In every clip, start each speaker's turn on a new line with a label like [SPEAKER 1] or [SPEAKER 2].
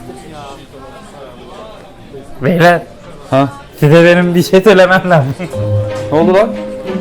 [SPEAKER 1] Beyler,
[SPEAKER 2] Ha?
[SPEAKER 1] size benim bir şey söylemem lazım.
[SPEAKER 2] Ne oldu lan?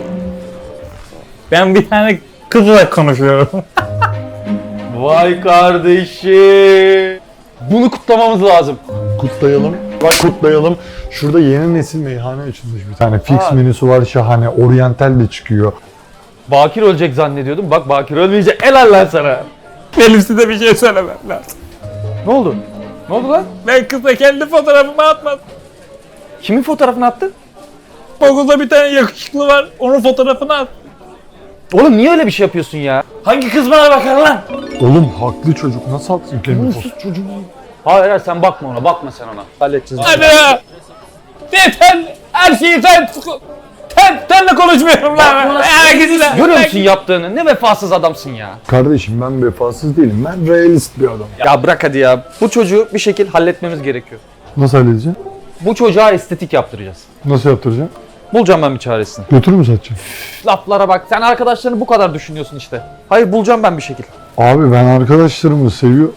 [SPEAKER 1] Ben bir tane kızla konuşuyorum.
[SPEAKER 2] Vay kardeşim. Bunu kutlamamız lazım.
[SPEAKER 3] Kutlayalım. Bak kutlayalım. Şurada yeni nesil meyhane açılmış bir tane. Fix menüsü var şahane. Oriental de çıkıyor.
[SPEAKER 2] Bakir ölecek zannediyordum. Bak Bakir ölmeyecek. Helal lan sana.
[SPEAKER 1] Benim size bir şey söylemem lazım.
[SPEAKER 2] Ne oldu? Ne oldu lan?
[SPEAKER 1] Ben kızla kendi fotoğrafımı atmadım.
[SPEAKER 2] Kimin fotoğrafını attı?
[SPEAKER 1] Okulda bir tane yakışıklı var, onun fotoğrafını at.
[SPEAKER 2] Oğlum niye öyle bir şey yapıyorsun ya?
[SPEAKER 1] Hangi kız bana bakar lan?
[SPEAKER 3] Oğlum haklı çocuk. Nasıl atsın kendi fotoğrafı?
[SPEAKER 2] Çocuğum. Hayır hayır sen bakma ona. Bakma sen ona. Halledeceğiz.
[SPEAKER 1] Hadi ya. Sen her şeyi senle konuşmuyorum lan. Herkesle.
[SPEAKER 2] Görüyor musun yaptığını? Ne vefasız adamsın ya.
[SPEAKER 3] Kardeşim ben vefasız değilim. Ben realist bir adamım.
[SPEAKER 2] Ya bırak hadi ya. Bu çocuğu bir şekil halletmemiz gerekiyor.
[SPEAKER 3] Nasıl halledeceğim?
[SPEAKER 2] Bu çocuğa estetik yaptıracağız.
[SPEAKER 3] Nasıl yaptıracağım?
[SPEAKER 2] Bulacağım ben bir çaresini.
[SPEAKER 3] Götür mü satacağım?
[SPEAKER 2] Laflara bak. Sen arkadaşlarını bu kadar düşünüyorsun işte. Hayır bulacağım ben bir şekil.
[SPEAKER 3] Abi ben arkadaşlarımı seviyorum.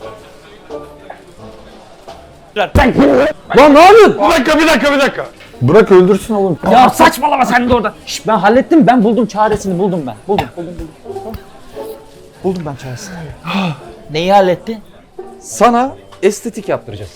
[SPEAKER 2] Lan ne yapıyorsun?
[SPEAKER 3] Bir dakika. Bırak öldürsün oğlum.
[SPEAKER 2] Ya saçmalama sen de orada. Şş, ben hallettim. Ben buldum çaresini. Buldum ben. Buldum. Buldum ben çaresini.
[SPEAKER 1] Neyi halletti?
[SPEAKER 2] Sana estetik yaptıracağız.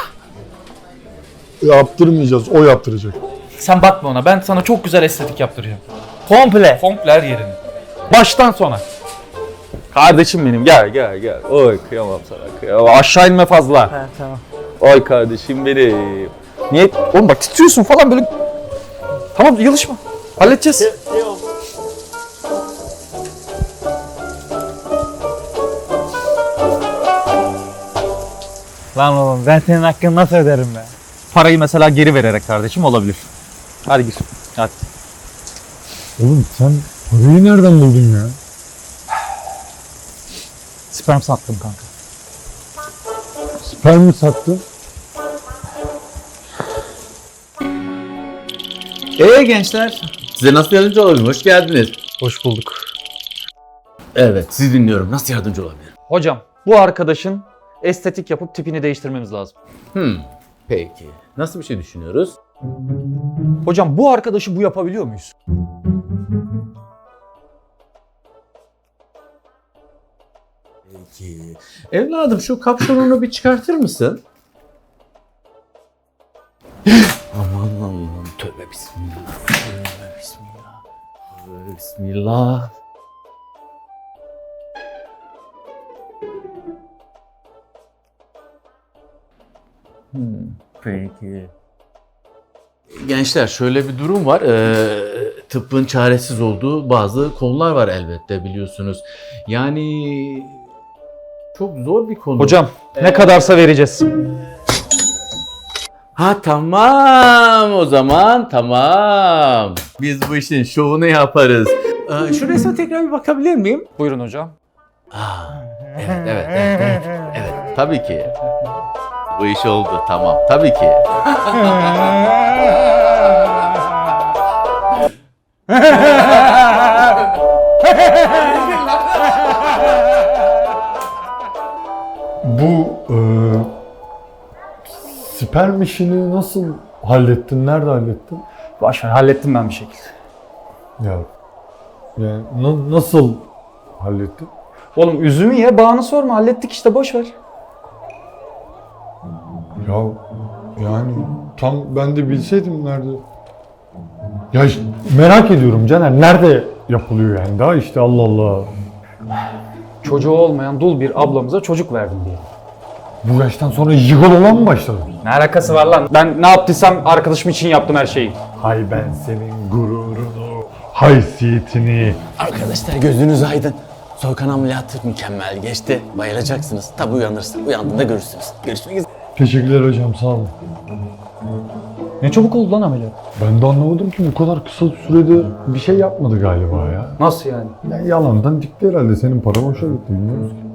[SPEAKER 3] Yaptırmayacağız. O yaptıracak.
[SPEAKER 2] Sen bakma ona. Ben sana çok güzel estetik yaptıracağım.
[SPEAKER 1] Komple.
[SPEAKER 2] Komple her yerini. Baştan sona. Kardeşim benim gel. Oy kıyamam sana kıyamam. Aşağı inme fazla.
[SPEAKER 1] Ha, tamam.
[SPEAKER 2] Oy kardeşim benim. Niye? Oğlum bak titriyorsun falan böyle. Tamam yılışma. Halledeceğiz.
[SPEAKER 1] Lan oğlum ben senin hakkını nasıl öderim be?
[SPEAKER 2] Parayı mesela geri vererek kardeşim olabilir. Hadi gir. Hadi.
[SPEAKER 3] Oğlum sen parayı nereden buldun ya?
[SPEAKER 2] Sperm sattım kanka.
[SPEAKER 3] Sperm mi sattın?
[SPEAKER 4] Gençler, size nasıl yardımcı olabilirim? Hoş geldiniz.
[SPEAKER 1] Hoş bulduk.
[SPEAKER 4] Evet, sizi dinliyorum. Nasıl yardımcı olabilirim?
[SPEAKER 2] Hocam bu arkadaşın estetik yapıp tipini değiştirmemiz lazım.
[SPEAKER 4] Peki. Nasıl bir şey düşünüyoruz?
[SPEAKER 2] Hocam bu arkadaşı bu yapabiliyor muyuz?
[SPEAKER 4] Peki. Evladım şu kapşonunu bir çıkartır mısın? Aman tövbe bismillah. Tövbe bismillah. Tövbe bismillah. Peki. Gençler şöyle bir durum var. Tıbbın çaresiz olduğu bazı konular var elbette biliyorsunuz. Yani çok zor bir konu.
[SPEAKER 2] Hocam ne kadarsa vereceğiz.
[SPEAKER 4] Ha tamam o zaman tamam. Biz bu işin şovunu yaparız. Şu resme tekrar bir bakabilir miyim?
[SPEAKER 2] Buyurun hocam.
[SPEAKER 4] Evet, tabii ki. Bu iş oldu tamam tabii ki.
[SPEAKER 3] Bu sperm işini nasıl hallettin? Nerede hallettin?
[SPEAKER 2] Başver hallettim ben bir şekilde.
[SPEAKER 3] Ya yani nasıl hallettin?
[SPEAKER 2] Oğlum üzümü ye bağını sorma hallettik işte boş ver.
[SPEAKER 3] Ya yani tam ben de bilseydim nerede. Ya işte merak ediyorum Caner, nerede yapılıyor yani daha işte Allah Allah.
[SPEAKER 2] Çocuğu olmayan dul bir ablamıza çocuk verdim diye.
[SPEAKER 3] Bu yaştan sonra jigolola mı başladın?
[SPEAKER 2] Ne alakası var lan? Ben ne yaptıysam arkadaşım için yaptım her şeyi.
[SPEAKER 3] Hay ben senin gururunu, haysiyetini.
[SPEAKER 5] Arkadaşlar gözünüz aydın. Soykan ameliyatı mükemmel geçti. Bayılacaksınız. Tabi uyanırsın. Uyandığında görürsünüz. Görüşmek üzere.
[SPEAKER 3] Teşekkürler hocam, sağ olun.
[SPEAKER 2] Ne çabuk oldu lan ameliyat.
[SPEAKER 3] Ben de anlamadım ki bu kadar kısa sürede bir şey yapmadı galiba ya.
[SPEAKER 2] Nasıl yani?
[SPEAKER 3] Yani yalandan dikti herhalde, senin paran hoşa gitti bilmiyoruz ki.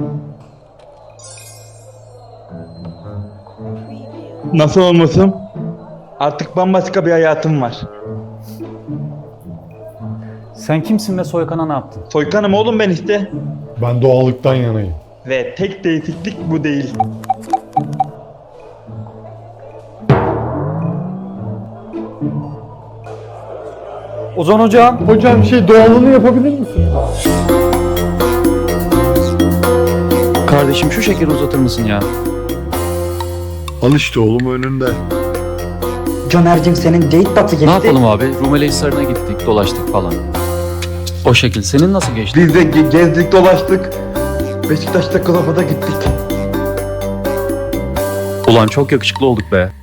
[SPEAKER 6] Nasıl olmasın? Artık bambaşka bir hayatım var.
[SPEAKER 2] Sen kimsin ve Soykan'a ne yaptın?
[SPEAKER 6] Soykanım oğlum ben işte.
[SPEAKER 3] Ben doğallıktan yanayım.
[SPEAKER 6] Ve tek değişiklik bu değil.
[SPEAKER 2] Ozan hocam.
[SPEAKER 3] Hocam doğalını yapabilir misin?
[SPEAKER 2] Kardeşim şu şekeri uzatır mısın ya?
[SPEAKER 7] Al işte oğlum önünde.
[SPEAKER 8] Caner'cim senin date batı geçti.
[SPEAKER 9] Ne yapalım abi? Rumeli Hisarı'na gittik, dolaştık falan. O şekil. Senin nasıl geçti?
[SPEAKER 6] Biz de gezdik dolaştık. Beşiktaş'ta kılafada gittik.
[SPEAKER 9] Ulan çok yakışıklı olduk be.